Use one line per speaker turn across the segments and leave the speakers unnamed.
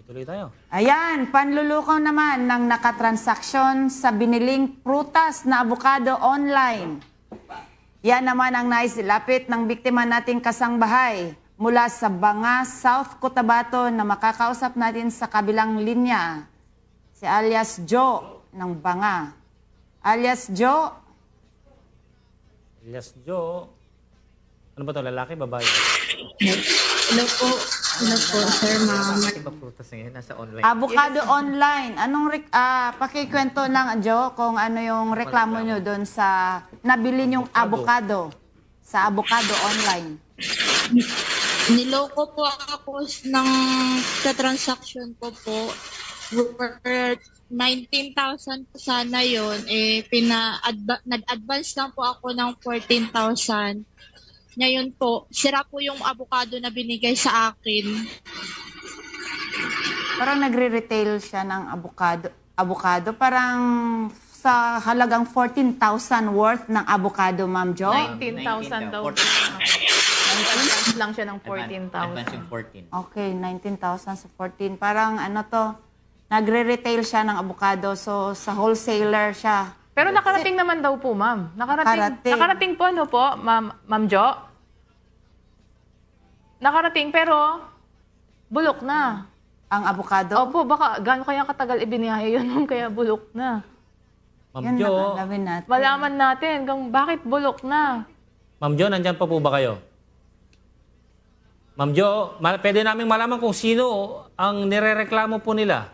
Tuloy tayo.
Ayan, panlulukaw naman ng nakatransaksyon sa biniling prutas na abukado online. Yan naman ang naisilapit ng biktima nating kasangbahay mula sa Banga, South Cotabato na makakausap natin sa kabilang linya. Si alias Joe ng Banga. Alias Joe.
Elias Joe. Ano ba ito? Lalaki, babae?
Hello po. Hello po, sir, ma'am.
Iba prutas ngayon, nasa online.
Abukado online. Pakikwento lang, Joe, kung ano yung reklamo nyo doon sa nabili nyong abukado sa abukado online.
Niloko po ako ng transaction ko po. Worth 19,000 po sana yun. Nag-advance lang po ako ng 14,000. Ngayon po, sira po yung avocado na binigay sa akin.
Parang nagre-retail siya ng abukado. Parang sa halagang 14,000 worth ng abukado, Ma'am Jo.
19,000 daw. 19,000 lang siya ng
Advance
14,000.
yung 14.
Okay, 19,000 sa 14. Parang ano to, nagre-retail siya ng abukado. So, sa wholesaler siya.
Pero nakarating naman daw po, ma'am. Nakarating po, ano po, Ma'am Jo? Nakarating, pero bulok na.
Ang abukado.
Opo, baka gaano kaya katagal ibiniyahe yun nung kaya bulok na.
Ma'am
Yan
Jo.
nakalawin natin.
Malaman natin kung bakit bulok na.
Ma'am Jo, nandyan pa po ba kayo? Ma'am Jo, pwede namin malaman kung sino ang nirereklamo po nila.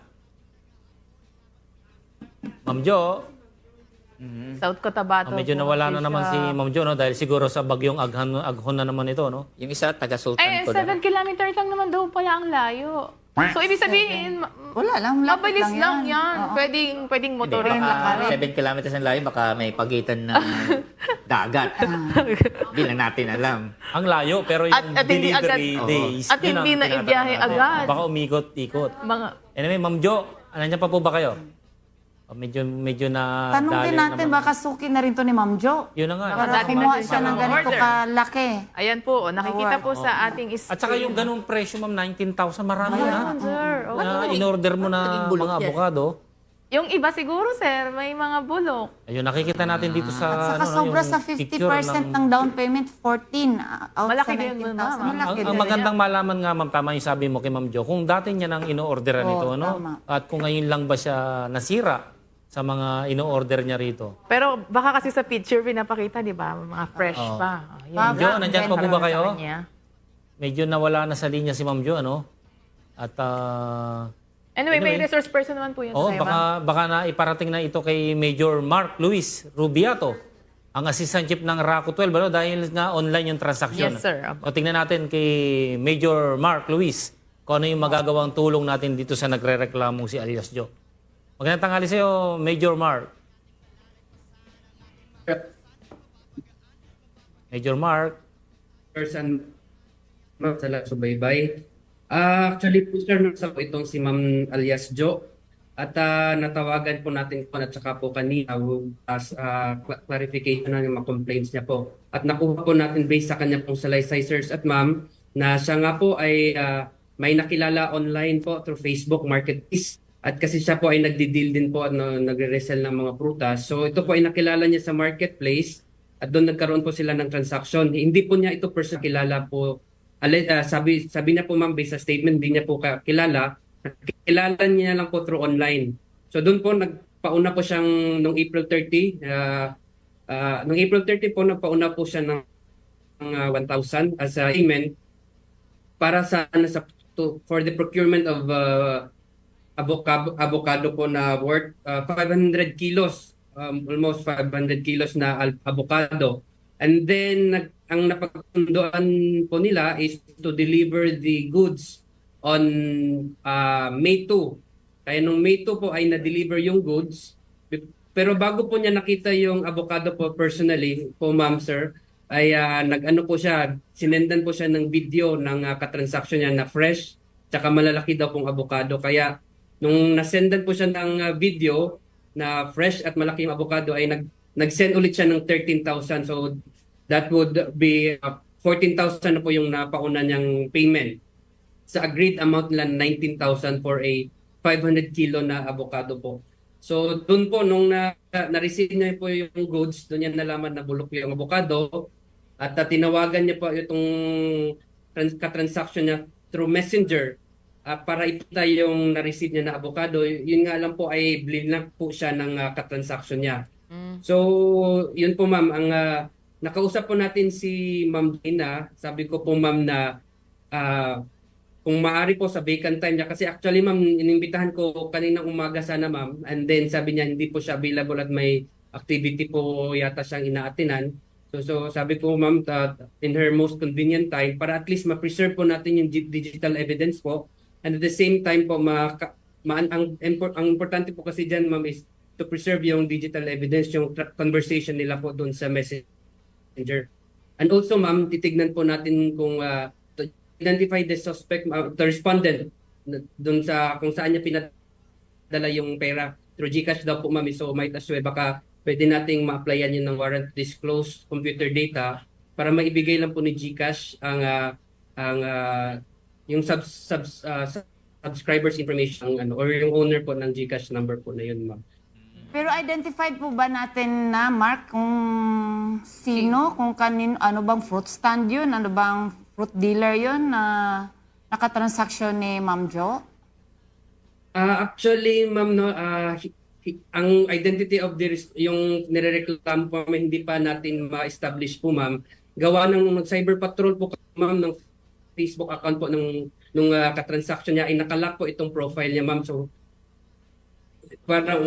Ma'am Jo,
South Cotabato.
medyo
po
nawala na
kasi
naman si
siya.
Ma'am Jo, no? Dahil siguro sa bagyong aghon na naman ito, no?
Yung isa, taga-sultan
Eh,
ko
7 kilometers lang naman daw pala ang layo. So, ibig sabihin,
Wala lang, lapit
mabilis lang yan.
Oo.
Pwedeng
Hindi,
motorin lang.
baka 7 kilometers ang layo, baka may pagitan ng dagat. Hindi lang natin alam.
Ang layo, pero yung
At hindi
delivery
agad-
days.
At
yun ang
hindi na
tinatanong
ibiyahe
natin.
agad.
Baka umikot-ikot.
Mga,
Anyway, Ma'am Jo, nandyan pa po ba kayo? Medyo na
Tanong din natin, baka suki na rin to ni Ma'am Jo.
Yun na nga.
Baka
Para
dati
kumuha
na
siya ng
siya
ganito
order.
kalaki.
ayan po, nakikita po sa ating screen.
At saka yung ganung presyo, ma'am, 19,000, marami na.
Ayan, sir. Oo.
Na in-order mo na
Naging bulok
mga
yan.
abogado.
Yung iba siguro, sir, may mga bulok.
Ayun, nakikita natin dito sa
At saka sobra
yung
sa
picture
50% ng down payment, 14 out
Malaki
sa
din yun,
19,000.
ma'am.
Malaki
Ang
din.
magandang malaman nga, ma'am, tama yung sabi mo kay Ma'am Jo, kung dati niya nang ino-orderan
Oo,
ito, ano?
tama.
At kung ngayon lang ba siya nasira sa mga ino-order niya rito.
Pero baka kasi sa picture pinapakita, di ba? Mga fresh
Oo.
pa. Ayan.
Ma'am Jo, nandyan pa po ba kayo?
Sa kanya.
Medyo nawala na sa linya si Ma'am Jo, ano? At
Anyway, may
Anyway.
resource person naman po yun.
oh,
sa'yo, ma'am.
baka na iparating na ito kay Major Mark Luis Rubiato, ang assistant chief ng RACO 12, ano? Dahil nga online yung transaction.
Yes, sir.
So, tingnan natin kay Major Mark Luis kung ano yung magagawang tulong natin dito sa nagre-reklamong si alias Jo. Magandang tanghali sa iyo, Major Mark. Major Mark.
Person sa subaybay. Actually po sir, nasa po itong si Ma'am alias Jo. At natawagan po natin po at saka po kanina as clarification ng mga complaints niya po. At nakuha po natin based sa kanya pong salaysay sirs at ma'am na siya nga po ay may nakilala online po through Facebook Marketplace. At kasi siya po ay nagdi-deal din po at nagre-resell ng mga prutas. So ito po ay nakilala niya sa marketplace at doon nagkaroon po sila ng transaction. Hindi po niya ito personal kilala po. Sabi niya po ma'am based sa statement, hindi niya po kilala. Kilala niya lang po through online. So doon po nagpauna po siyang nung April 30. Nung April 30 po nagpauna po siya ng 1,000 as a payment para for the procurement of avocado po na worth 500 kilos, almost 500 kilos na avocado. And then, ang napagpundoan po nila is to deliver the goods on May 2. Kaya nung May 2 po ay na-deliver yung goods. Pero bago po niya nakita yung avocado po personally, po ma'am sir, ay nag-ano po siya, sinendan po siya ng video ng katransaksyon niya na fresh, tsaka malalaki daw pong avocado. Kaya nung nasendan po siya ng video na fresh at malaki yung avocado ay nag-send ulit siya ng 13,000. So that would be 14,000 na po yung napauna niyang payment. sa agreed amount nila 19,000 for a 500 kilo na avocado po. So doon po nung na-receive niya po yung goods, doon niya nalaman na bulok yung avocado at tinawagan niya po itong ka-transaction niya through Messenger para ipita yung na-receive niya na avocado. Yun nga lang po ay blinak po siya ng ka-transaction niya. So yun po ma'am, ang nakausap po natin si Ma'am Dina. Sabi ko po ma'am na kung maaari po sa vacant time niya, kasi actually ma'am, inimbitahan ko kaninang umaga sana ma'am, and then sabi niya hindi po siya available at may activity po yata siyang inaatinan. So sabi ko ma'am, in her most convenient time, para at least ma-preserve po natin yung digital evidence po, and at the same time po, ang importante po kasi dyan ma'am is to preserve yung digital evidence, yung conversation nila po doon sa Messenger. And also ma'am, titignan po natin kung identify the suspect, the respondent doon sa kung saan niya pinadala yung pera through GCash daw po ma'am. So might as well baka pwede nating ma-applyan yun ng warrant to disclose computer data para maibigay lang po ni GCash ang yung subscribers information or yung owner po ng GCash number po na yun ma'am.
Pero identified po ba natin na, Mark, kung sino, kung kanin, ano bang fruit stand yun, ano bang fruit dealer yun na nakatransaksyon ni Ma'am Jo?
Actually, ma'am, no, ang identity of yung nirereklamo po, hindi pa natin ma-establish po, ma'am. Gawa ng cyber patrol po, ma'am, ng Facebook account po nung katransaction niya, ay nakalock po itong profile niya, ma'am. So, para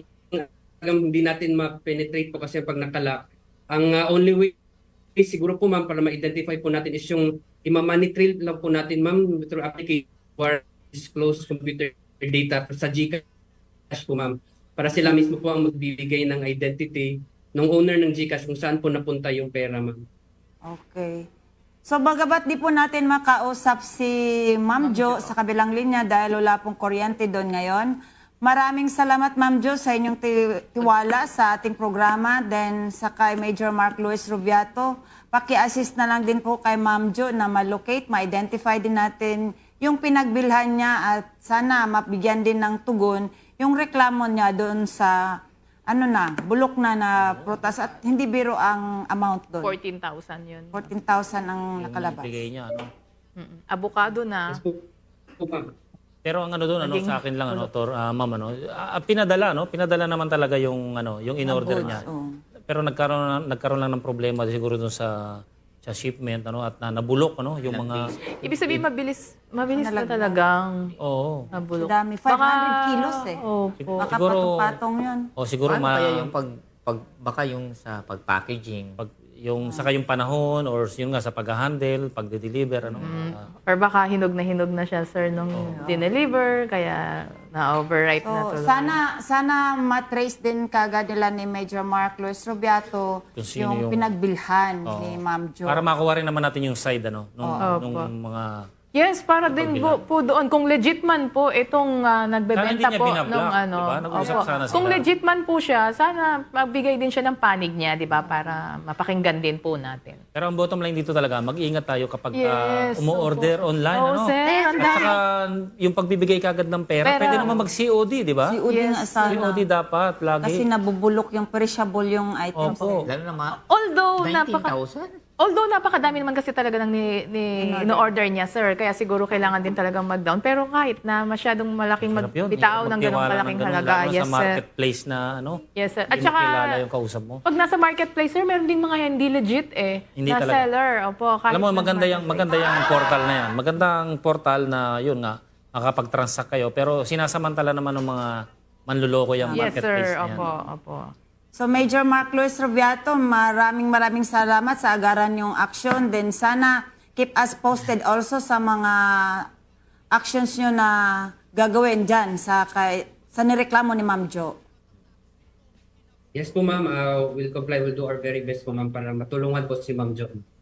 hindi natin ma-penetrate po kasi pag nakalock. Ang only way siguro po, ma'am, para ma-identify po natin is yung money trail lang po natin, ma'am, through application for disclosed computer data sa GCash po, ma'am. Para sila mismo po ang magbibigay ng identity ng owner ng GCash kung saan po napunta yung pera, ma'am.
Okay. So bagabat di po natin makausap si Ma'am Jo sa kabilang linya dahil wala pong kuryente doon ngayon. Maraming salamat Ma'am Jo sa inyong tiwala sa ating programa. Then sa kay Major Mark Luis Rubiato, paki-assist na lang din po kay Ma'am Jo na ma-locate, ma-identify din natin yung pinagbilhan niya at sana mabigyan din ng tugon yung reklamo niya doon sa bulok na prutas at hindi biro ang amount doon.
14,000 yun.
14,000 ang nakalabas.
Bigay niya, ano.
Avocado na.
Yes po, ma'am.
Pero ang ano doon, sa akin lang, ma'am, pinadala naman talaga yung in-order niya. Pero nagkaroon lang ng problema siguro doon sa shipment, at nabulok, yung mga...
Ibig sabihin, mabilis na talagang
Oo.
nabulok.
Dami, 500 kilos eh.
Opo.
Baka
Siguro-
patong-patong yun.
O siguro
Paano kaya yung baka yung sa pag-packaging?
saka yung panahon or yung nga sa pag-handle, pag-deliver,
Or baka hinog na siya, sir, nung dineliver, kaya na-overripe na
So,
tuloy.
sana matrace din kagad nila ni Major Mark Luis Rubiato
Kung sino
yung
yung-
pinagbilhan ni Ma'am Jo.
para makuha rin naman natin yung side, nung
Opo.
mga...
Yes, para din po doon. Kung legit man po itong nagbebenta
Sana hindi niya
po
binablock,
nung
diba? Nag-usap
Opo.
sana sila.
Kung legit man po siya, sana magbigay din siya ng panig niya, 'di ba, para mapakinggan din po natin.
Pero ang bottom line dito talaga, mag-ingat tayo kapag
Yes,
umu-order online,
Oo, sir. Ang
At saka yung pagbibigay kagad ng pera, pwede naman mag-COD, di ba?
Si Udi nga sana.
COD dapat, lagi.
Kasi nabubulok yung perishable yung item.
Opo.
Lalo na mga
Although napakadami naman kasi talaga ng in-order niya, sir. Kaya siguro kailangan din talagang mag-down. Pero kahit na masyadong malaking
Sarap yun.
magbitaw ng ganong
Magtiwala
malaking
ganun,
halaga.
lalo
Yes,
sa
sir.
marketplace na
Yes, sir. At
hindi
saka,
mo kilala yung kausap mo.
pag nasa marketplace, sir, meron ding mga hindi legit
Hindi
na
talaga.
seller. Opo, kahit
Alam mo,
nasa
maganda yung portal na yan. Magandang portal na yun nga, makapag-transact kayo. Pero sinasamantala naman ng mga manluloko yung
Yes,
marketplace
sir.
na yan.
Opo.
So Major Mark Luis Rubiato, maraming salamat sa agaran yung action. Then sana keep us posted also sa mga actions nyo na gagawin dyan sa nireklamo ni Ma'am Jo.
Yes po, ma'am. We'll comply. We'll do our very best po, ma'am, para matulungan po si Ma'am Jo.